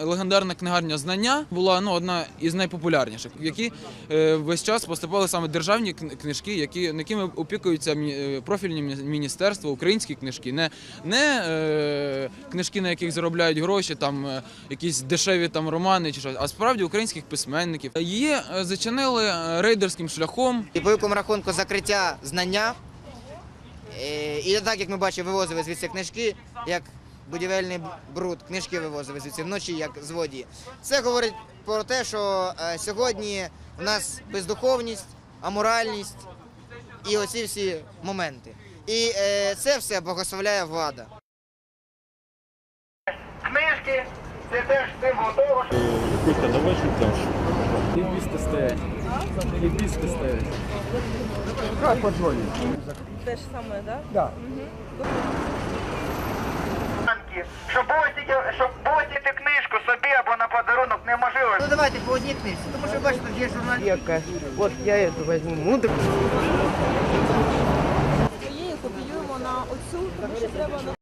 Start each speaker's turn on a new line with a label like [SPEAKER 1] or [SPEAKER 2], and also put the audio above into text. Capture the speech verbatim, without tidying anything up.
[SPEAKER 1] Легендарна книгарня «Знання» була ну, одна із найпопулярніших, в які е, весь час поступали саме державні книжки, які, якими опікуються профільні міністерства, українські книжки, не, не е, книжки, на яких заробляють гроші, там, е, якісь дешеві там, романи, чи щось, а справді українських письменників. Її зачинили рейдерським шляхом.
[SPEAKER 2] І по великому рахунку закриття «Знання», і так, як ми бачимо, вивозили звідси книжки, як будівельний бруд, книжки вивозили звідси вночі, як злодії. Це говорить про те, що сьогодні в нас бездуховність, аморальність і оці всі моменти. І це все благословляє влада.
[SPEAKER 3] Книжки – це теж символ того, що...
[SPEAKER 4] Костя, давай шуташ.
[SPEAKER 5] Лібісти стоять. Лібісти стоять.
[SPEAKER 4] Как позвонить?
[SPEAKER 6] Те ж саме, так?
[SPEAKER 4] Да.
[SPEAKER 3] Щоб босити, щоб босити книжку собі або на подарунок неможливо.
[SPEAKER 2] Ну давайте по одній книжці, тому що бачите, є журналістика.
[SPEAKER 6] От я эту возьму. Мудр. Своєю копіюємо на оцю, тому що треба на